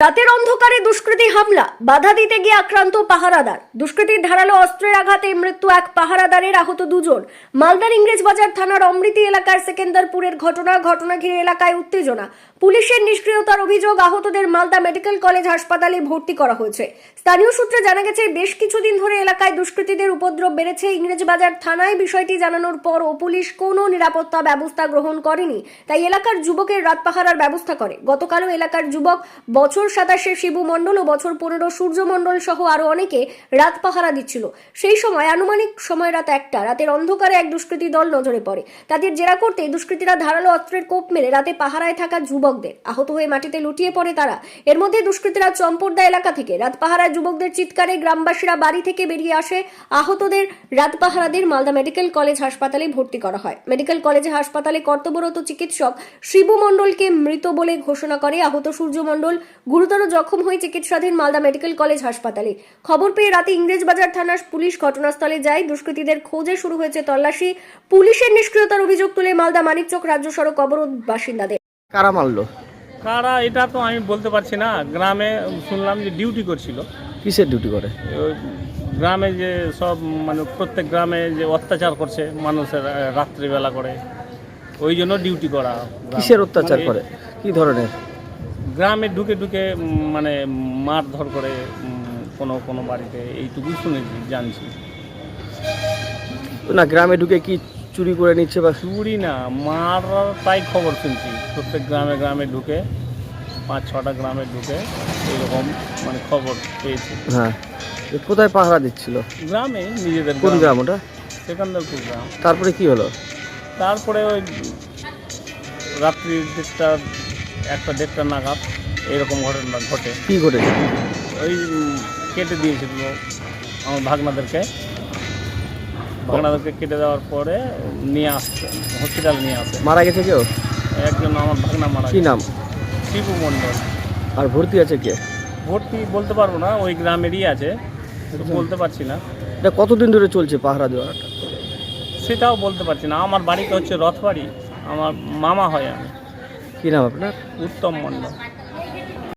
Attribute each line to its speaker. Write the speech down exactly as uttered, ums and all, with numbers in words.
Speaker 1: রাতের অন্ধকারে দুষ্কৃতী হামলা, বাধা দিতে গিয়ে আক্রান্ত পাহারাদার। দুষ্কৃতীর ধারালো অস্ত্রের আঘাতে মৃত্যু এক পাহারাদারের, আহত দুজন। মালদার ইংরেজবাজার থানার অমৃতি এলাকার সেকেন্দারপুরের ঘটনা। ঘটনা ঘিরে এলাকায় উত্তেজনা। পুলিশের নিষ্ক্রিয়তার অভিযোগ। আহতদের মালদা মেডিকেল কলেজ হাসপাতালে ভর্তি করা হয়েছে। স্থানীয় সূত্রে জানা গেছে, বেশ কিছুদিন ধরে এলাকায় দুষ্কৃতীদের উপদ্রব বেড়েছে। ইংরেজবাজার থানায় বিষয়টি জানানোর পরও পুলিশ কোনো নিরাপত্তা ব্যবস্থা গ্রহণ করেনি, তাই এলাকার যুবকের রাত পাহারার ব্যবস্থা করে। গতকালও এলাকার যুবক বছর সাতাশে শিবু মণ্ডল ও বছর পনেরো সূর্য মণ্ডল সহ আরো অনেকে রাত পাহারা দিচ্ছিল। সেই সময় আনুমানিক সময় রাত একটা, রাতের অন্ধকারে এক দুষ্কৃতী দল নজরে পড়ে। তাদের জেরা করতে দুষ্কৃতীরা ধারালো অস্ত্রের কোপ মেরে রাতে পাহারায় থাকা যুবকদের আহত হয়ে মাটিতে লুটিয়ে পড়ে তারা। এর মধ্যে দুষ্কৃতীরা চম্পটদা এলাকা থেকে রাত পাহারায় যুবকদের চিৎকারে গ্রামবাসীরা বাড়ি থেকে বেরিয়ে আসে। আহতদের রাত পাহারাদের মালদা মেডিকেল কলেজ হাসপাতালে ভর্তি করা হয়। মেডিকেল কলেজে হাসপাতালে কর্তব্যরত চিকিৎসক শিবু মণ্ডলকে মৃত বলে ঘোষণা করে। আহত সূর্য মণ্ডল গুরুতর জখম হয়ে চিকিৎসাধীন মালদা মেডিকেল কলেজ হাসপাতালে। খবর পেয়ে রাতে ইংরেজবাজার থানার পুলিশ ঘটনাস্থলে যায়। দুষ্কৃতীদের খোঁজে শুরু হয়েছে তল্লাশি। পুলিশের নিষ্ক্রিয়তার অভিযোগ তুলে মালদা মানিকচক রাজ্য সড়ক অবরোধ বাসিন্দাদের।
Speaker 2: কারা মারলো?
Speaker 3: কারা এটা তো আমি বলতে পারছি না। গ্রামে শুনলাম যে ডিউটি করছিল।
Speaker 2: কিসের ডিউটি করে?
Speaker 3: ওই গ্রামে যে সব মানে প্রত্যেক গ্রামে যে অত্যাচার করছে মানুষের রাত্রিবেলা করে, ওই জন্য ডিউটি করা।
Speaker 2: কিসের অত্যাচার
Speaker 3: মানে
Speaker 2: করে? কি ধরনের?
Speaker 3: গ্রামে ঢুকে ঢুকে উম, মানে মারধর করে উম, কোনো কোনো বাড়িতে, এইটুকুই শুনেছি, জানছি।
Speaker 2: না, গ্রামে ঢুকে কি চুরি করে নিচ্ছে বা?
Speaker 3: চুরি না, মার, তাই খবর শুনছি। প্রত্যেক গ্রামে গ্রামে ঢুকে, পাঁচ ছটা গ্রামে ঢুকে এইরকম মানে খবর পেয়েছি।
Speaker 2: হ্যাঁ, এ কোথায় পাহারা দিচ্ছিল?
Speaker 3: গ্রামে, নিজেদের
Speaker 2: কোন গ্রাম ওটা?
Speaker 3: সেকেন্দারপুর গ্রাম।
Speaker 2: তারপরে কি হলো?
Speaker 3: তারপরে ওই রাত্রি দেড়টা, একটা দেড়টা নাগাদ এইরকম ঘটনা ঘটে।
Speaker 2: কি ঘটেছে?
Speaker 3: ওই উম, কেটে দিয়েছিল আমার ভাগনাদেরকে। ভাগনাদেরকে কেটে দেওয়ার পরে নিয়ে আসছে, হসপিটাল নিয়ে আসে।
Speaker 2: মারা গেছে কেউ?
Speaker 3: একজন আমার ভাগনা মারা
Speaker 2: কি
Speaker 3: গেছে।
Speaker 2: নাম?
Speaker 3: শিবু মণ্ডল।
Speaker 2: আর ভর্তি আছে কে?
Speaker 3: ভর্তি বলতে পারবো না, ওই গ্রামেরই আছে, তো বলতে পারছি না।
Speaker 2: এটা কতদিন ধরে চলছে পাহারা দেওয়াটা?
Speaker 3: সেটাও বলতে পারছি না। আমার বাড়িতে হচ্ছে রথবাড়ি, আমার মামা হয় আমি।
Speaker 2: কি নাম আপনার?
Speaker 3: উত্তম মণ্ডল।